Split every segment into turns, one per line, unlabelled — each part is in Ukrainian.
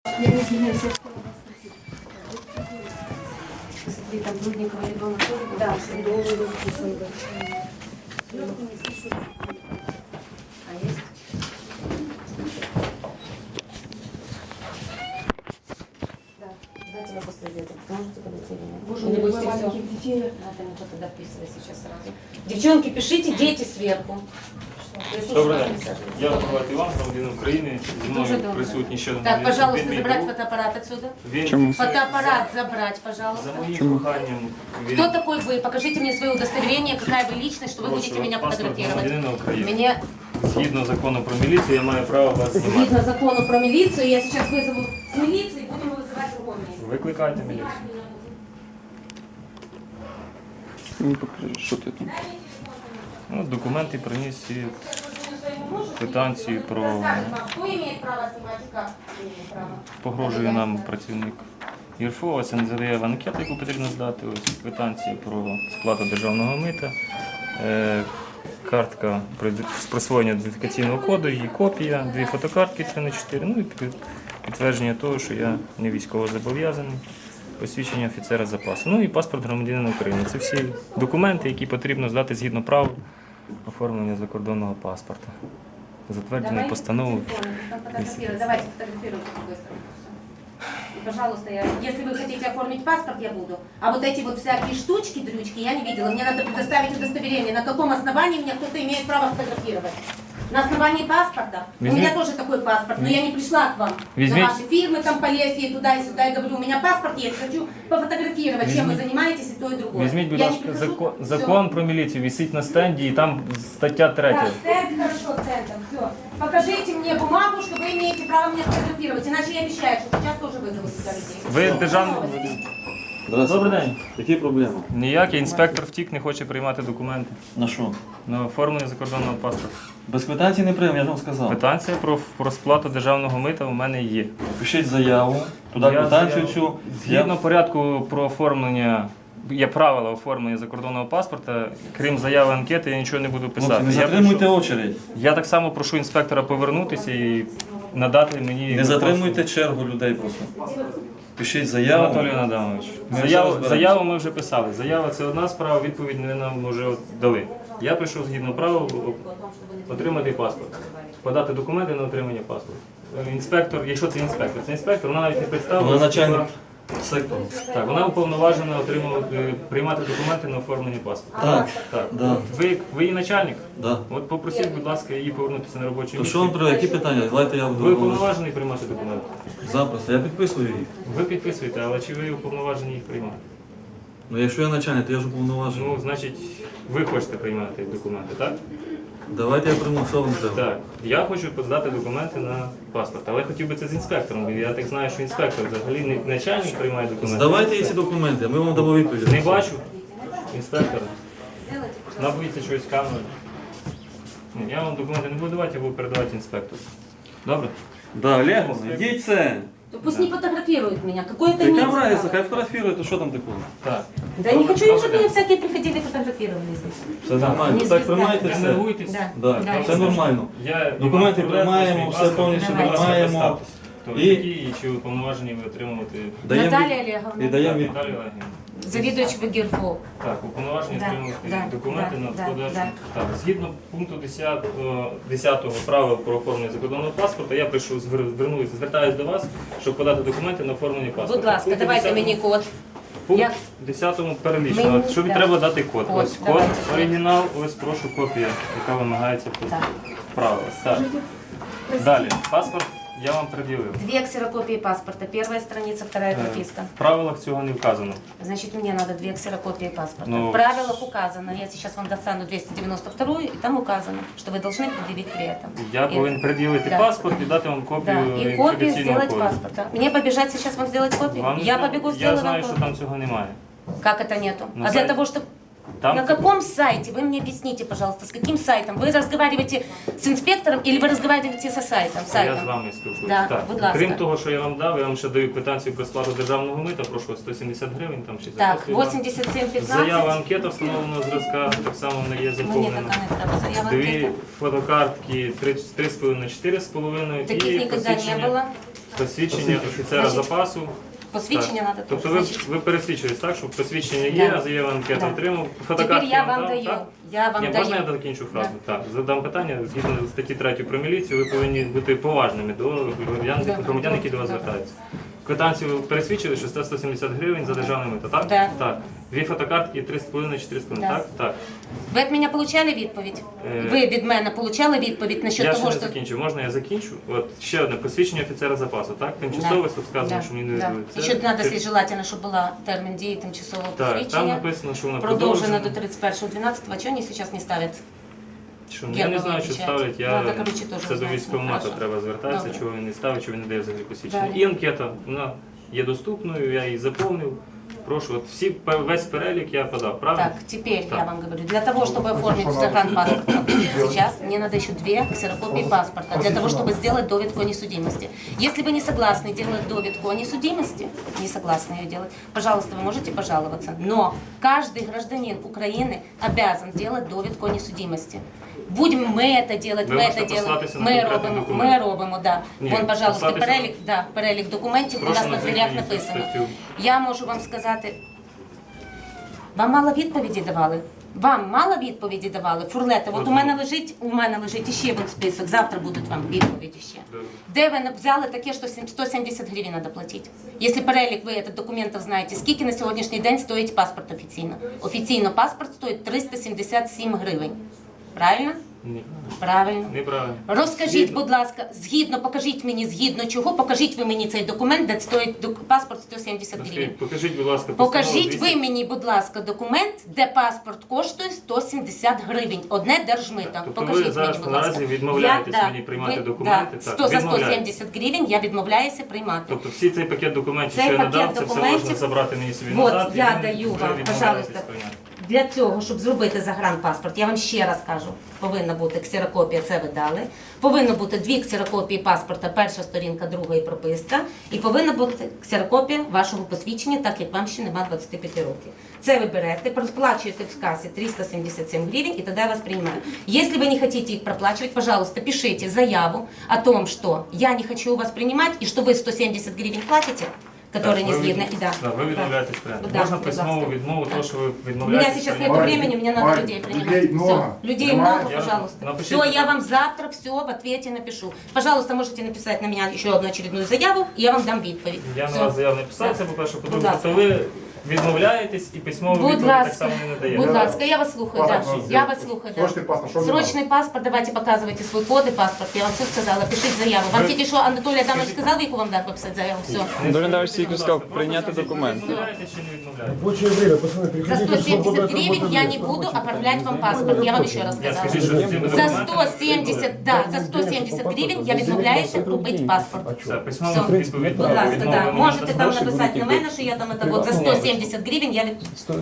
Я не знаю, все, что у вас спросить. Смотри, там Блудникова ребенок тоже был? Да, Сандовый написан был. А есть? Да, давайте мы после обеда. Можете подойти или нет?
Боже,
Или
у
будете
меня
все?
маленьких детей.
Надо не туда вписывать сейчас сразу. Девчонки, пишите, дети сверху. Я слушаю
Добрий
вас,
день.
Александр.
Я Миколай Іван, громадянин України. Зі
Дуже
мною
добре.
присутній ще один
Так, пожалуйста,
мій
забрать
друг.
фотоаппарат отсюда.
Він
Чому?
Фотоаппарат забрать,
за
пожалуйста.
моїм проханням він
Кто такой вы? Покажите мне свое удостоверение, какая вы личность, что вы
прошу
будете меня
паспорт
фотографировать.
громадянина України.
Мне,
Згідно закону про міліцію, я маю право вас знімати.
видно закону про милицию, я сейчас вызову с милиции, будем вызывать другое место.
Викликайте міліцію.
Мені покажи, що ти там.
Ну, документи приніс і квитанцію про
Кто имеет право снимать и как имеет право?
погрожує нам працівник ЄРФО. Ось він задає анкету, яку потрібно здати. Ось квитанцію про сплату державного мита. Картка з присвоєння ідентифікаційного коду, її копія, 2 фотокартки 3х4, ну і підтвердження того, що я не військово зобов'язаний, посвідчення офіцера запасу. Ну і паспорт громадянина України. Це всі документи, які потрібно здати згідно правил оформлення закордонного паспорта. Затверджений постановою.
Давайте фотографируйте с другой стороны. И, пожалуйста, если вы хотите оформить паспорт, я буду. А вот эти вот всякие штучки, дрючки, я не видела. Мне надо предоставить удостоверение. На каком основании меня кто-то имеет право фотографировать? На основании паспорта? У меня тоже такой паспорт, но я не пришла к вам. На ваши фирмы там полезли туда и сюда. И говорю, у меня паспорт есть, хочу пофотографировать, чем вы занимаетесь и то, и другое.
Візьміть, будь
Я не
ласка,
прихожу,
закон про міліцію, висить на стенді, і там стаття 3.
Да, стенд, хорошо, стендом, все. Покажите мне бумагу, что вы имеете право меня фотографировать, иначе я обещаю, что сейчас тоже вызову сюда людей.
Ви державний... Добрий день.
Які проблеми?
Ніякий інспектор втік, не хоче приймати документи
На що?
на оформлення закордонного паспорта.
Без квитанції не приймемо, я вам сказав.
Квитанція про сплату державного мита у мене є.
Пишіть заяву, туди
Я
квитанцію
заяву-
цю.
Згідно порядку про оформлення, є правила оформлення закордонного паспорта, крім заяви анкети, я нічого не буду писати.
Хлопці, не
Я
затримуйте
прошу-
очередь.
Я так само прошу інспектора повернутися і надати мені...
Не затримуйте чергу людей просто. Пишіть заяву.
Анатолій Адамович,
Ми все
заяву,
розберемо.
заяву ми вже писали. Заява це одна справа, відповідь ви нам вже дали. Я прийшов згідно правил отримати паспорт, подати документи на отримання паспорту. Інспектор, якщо це інспектор, вона навіть не представила.
Вона начальник сектору.
Так, вона уповноважена отримувати, приймати документи на оформлення паспорту.
Так,
Так.
да.
Ви її начальник?
да.
От попросіть, будь ласка, її повернутися на робоче
То що вам
місце.
треба, які питання? Давайте я
Ви
буду
уповноважений приймати документи?
запросто. Я підписую їх.
Ви підписуєте, але чи ви уповноважені їх приймати?
Ну якщо я начальник, то я ж уповноважений.
Ну, значить, ви хочете приймати документи, так?
Давайте я прийму, що вам треба.
Так. Я хочу подати документи на паспорт, але хотів би це з інспектором, бо я так знаю, що інспектор взагалі не начальник приймає документи.
Здавайте їй ці документи, а ми вам дамо відповідь.
Не бачу інспектора. Набується щось камерою. Ні, я вам документи не буду давати, я буду передавати інспектору. Добре?
Да, Олег, йдіть це.
То пусть не фотографирует меня. Какое это
Яка
имеет
разниця,
право?
хай фотографірує, то що там такого?
Так.
Да я не хочу,
Добре.
чтобы меня всякие приходили и фотографировали здесь.
Все нормально.
Не
Так
звізда.
приймайте
Не
все.
нервуйтесь.
Да.
Да, все нормально.
Я
Документи
Іван Павленко,
приймаємо,
свій
все
паспорт,
повністю
будь ласка,
приймаємо.
представтесь. Хто ви
І-
такі і чи ви уповноважені ви отримувати
Даємо
Наталья
від-
Олеговна,
І даємо від...
Наталію Олегівну?
завідувач ВГИРФО.
Так, уповноважені
Да,
отримувати
да,
документи
да,
на
да,
подачу.
да.
Так, згідно пункту 10 правил про оформлення закордонного паспорта, я прийшов, звертаюся до вас, щоб подати документи на оформлення паспорта.
Будь ласка,
Пункт
давайте
10
мені код.
Пункт
Я-
10 перелічено.
Мені-
Що
да.
треба дати код?
Код,
Ось код,
давайте.
оригінал, ось прошу копія, яка вимагається по
Так.
правилах. Так. Далі, паспорт я вам пред'явив.
2 ксерокопии паспорта. Первая страница, вторая прописка.
В правилах цього не вказано.
Значит, мне надо 2 ксерокопии паспорта.
Ну,
В правилах указано. Я сейчас вам достану 292, и там указано, что вы должны предъявить при этом.
Я
И-
повинен пред'явити
Да.
паспорт і дати вам копію
Да, и копию
ідентифікаційного
сделать
коду.
паспорта. Мне побежать сейчас вам сделать копию?
Вам не
Я
треба.
побегу,
Я
сделаю
знаю,
вам
що
копию.
там цього немає.
Как это нету?
На
А для
сайте.
того, чтобы...
Там
На каком сайте? Вы мне объясните, пожалуйста, с каким сайтом? Вы разговариваете с инспектором или вы разговариваете со сайтом?
Я з вами спілкуюся.
Да,
Так.
будь ласка.
Крім того, що я вам дав, я вам ще даю квитанцію про сплату державного мита, прошу 170 гривень там чи
Так,
записую вам.
8715.
Заява анкета встановленого зразка, так само вона є
Мне
заповнена.
такая не треба. Заява
Дві
анкета.
фотокартки 3,5 на 4,5
Таких
і
никогда не
посвідчення.
было.
посвідчення офіцера
Значить,
запасу.
Посвідчення
Так.
надо
Тобто
тоже.
ви,
Значить,
ви пересвідчились, так, що посвідчення є,
Да.
а заяву анкету
Да.
отримав,
Тепер
фотокартки
я
вам
вам
дав,
даю.
так?
Я вам
Ні,
даю.
можна я закінчу фразу? Так, задам питання. Згідно статті 3 про міліцію, ви повинні бути поважними до громадян, які до вас звертаються. Квитанцію ви пересвідчили, що це 170 гривень за державне мито, так?
Да.
Так. Дві фотокартки, 3,5-4,5,
Да.
так? Так.
Ви від мене получали відповідь? Ви від мене получали відповідь насчет
Я ще
того,
не
що...
закінчу. Можна я закінчу? От ще одне посвідчення офіцера запасу, так? Тимчасове, тут сказано, що мені не дадуть.
І ще треба, якщо желательно, щоб була термін дії тимчасового
Так, там
посвідчення.
написано, що воно
Продовжено до 31.12. А чого вони зараз не ставлять?
Що, я не знаю, що ставлять,
Надо, короче, теж
це до
знати.
військкомату
Хорошо.
треба звертатися,
Добре.
чого він не ставить, чого він не дає взагалі посвідчення.
Далі.
І анкета, вона є доступною, я її заповнив. Прошу, от весь перелік я подав, правильно?
Так, теперь
Так.
я вам говорю, для того, чтобы оформить загранпаспорт, сейчас мне надо еще 2 ксерокопии паспорта, для того, чтобы сделать довідку о несудимости. Если вы не согласны делать довідку о несудимости, не согласны ее делать, пожалуйста, вы можете пожаловаться. Но каждый гражданин Украины обязан делать довідку о несудимости. Будем мы это делать,
Ви
мы
можете
это делаем,
послатися на
ми
конкретний
робимо,
документ.
ми робимо, да.
Ні,
Вон, пожалуйста,
послатися-
перелік, да, перелік документів у
Прошу
нас на
назвіть
дверях
мені цю
написано.
статтю.
Я можу вам сказати, вам мало відповіді давали? Вам мало відповіді давали? Фурлете, от у мене лежить іще вон список, завтра будуть вам відповіді ще.
Добре.
Де ви взяли таке, що 170 гривень треба платити? Якщо перелік ви цих документів знаєте, скільки на сьогоднішній день стоїть паспорт офіційно? Офіційно паспорт стоїть 377 гривень. Правильно?
Ні,
Правильно.
неправильно.
Розкажіть, будь ласка, покажіть мені згідно чого, покажіть ви мені цей документ, де стоїть паспорт 170 гривень.
Покажіть, будь ласка, постанову
Покажіть
200.
ви мені, будь ласка, документ, де паспорт коштує 170 гривень. Одне держмито.
Тобто
Покажіть
ви зараз
мені, будь ласка.
наразі відмовляєтесь
Я-
мені приймати
ви-
документи?
Да,
Так,
за
відмовляєтесь.
170 гривень я відмовляюся приймати.
Тобто всі цей пакет документів,
Цей
що я
пакет
надав, це все
документів-
можна забрати мені собі
Вот,
назад. і
я
ви
даю
вже
вам,
відмовляєтесь
пожалуйста.
прийняти.
Для цього, щоб зробити загранпаспорт, я вам ще раз кажу, повинна бути ксерокопія, це ви дали. Повинно бути 2 ксерокопії паспорта, перша сторінка, друга і прописка. І повинна бути ксерокопія вашого посвідчення, так як вам ще нема 25 років. Це ви берете, сплачуєте в касі 377 гривень, і тоді я вас приймаю. Якщо ви не хочете їх проплачивать, пожалуйста, пишите заяву о том, что я не хочу у вас принимать, и что вы 170 гривен платите, которые не
Так, ви
згідні.
від-
Да.
да, ви відмовляєтесь прямо.
Да,
Можна
будь
письмову
ласка.
відмову,
Да.
то, що ви
У меня
відмовляєтесь.
сейчас нет
приймати.
времени, мне надо
Вань,
людей принимать.
людей много.
Всё. Людей
Понимаешь?
много,
Я-
пожалуйста.
напишите.
Все, я вам завтра все в ответе напишу. Пожалуйста, можете написать на меня еще одну очередную заяву, и я вам дам відповідь.
Я на
Всё.
вас заяву не писав, це по-перше,
Будь
по-друге,
ласка.
то ви відмовляєтесь і письмову
Будь
відповідь так
ласка,
само не надаєте.
будь ласка, я вас слухаю, да.
Паспорт
Я
надо
вас
сделать.
слухаю, да.
Срочный паспорт, что мне
Срочный паспорт, давайте показывайте свой код и паспорт. Я вам все сказала, пишите заяву. Вам
Ви-
тільки що Анатолій Адамович сказав, в яку вам дати написати заяву? Все.
Анатолій Адамович тільки сказав прийняти документи.
Відмовляєтесь чи не відмовляєтесь?
Рабочее время, пацаны,
За
приходите.
170 гривен я не буду оформлять вам паспорт. Я вам ще раз
Я
сказала.
скажу, що з цими
За
документами
170, да, за 170 гривень я відмовляюся купити паспорт.
Все, письмову
Все.
відповідь.
Будь ласка,
відмови
да.
мені
Можете
надасте.
там написать на мене, що я там это вот за 170 гривен я...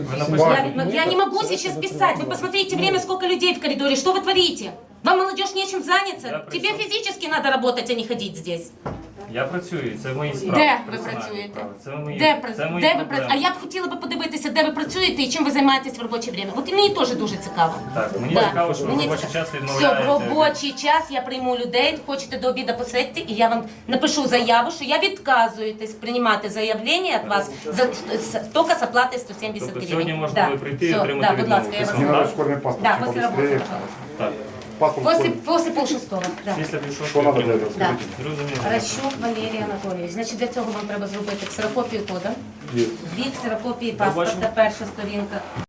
Я не могу сейчас писать. Вы посмотрите время, сколько людей в коридоре. Что вы творите? Вам, молодежь, нечем заняться?
Я
Тебе
пришел.
физически надо работать, а не ходить здесь.
Я працюю, це мої справи.
Де ви
персональні
працюєте?
справи. Це мої,
Де
це мої
ви
проблеми.
А я б хотіла би подивитися, де ви працюєте і чим ви займаєтесь в робоче время. От і мені теж дуже цікаво.
Так, мені
Да.
цікаво, що ви в
Мені
робочий
цікаво.
час
Все,
відмовляєте.
в робочий час я прийму людей, хочете до обіду посидьте, і я вам напишу заяву, що я відказуєтесь приймати заявлення від вас тільки з оплати 170
Тобто
гривень.
сьогодні можна буде прийти і
Все,
отримати
да, будь ласка, я
відмову.
вас
Мне
Так.
надо ускоренный паспорт.
Да,
чем
после работы,
побыстрее.
пожалуйста.
Так,
Паспорт
После полшестого. Да.
після пішов.
Что надо делать?
Да.
Скажите.
Зрозуміло.
Ращук Валерій Анатолійович. Значить, для цього вам треба зробити ксерокопію кода, 2 ксерокопії паспорта, перша сторінка.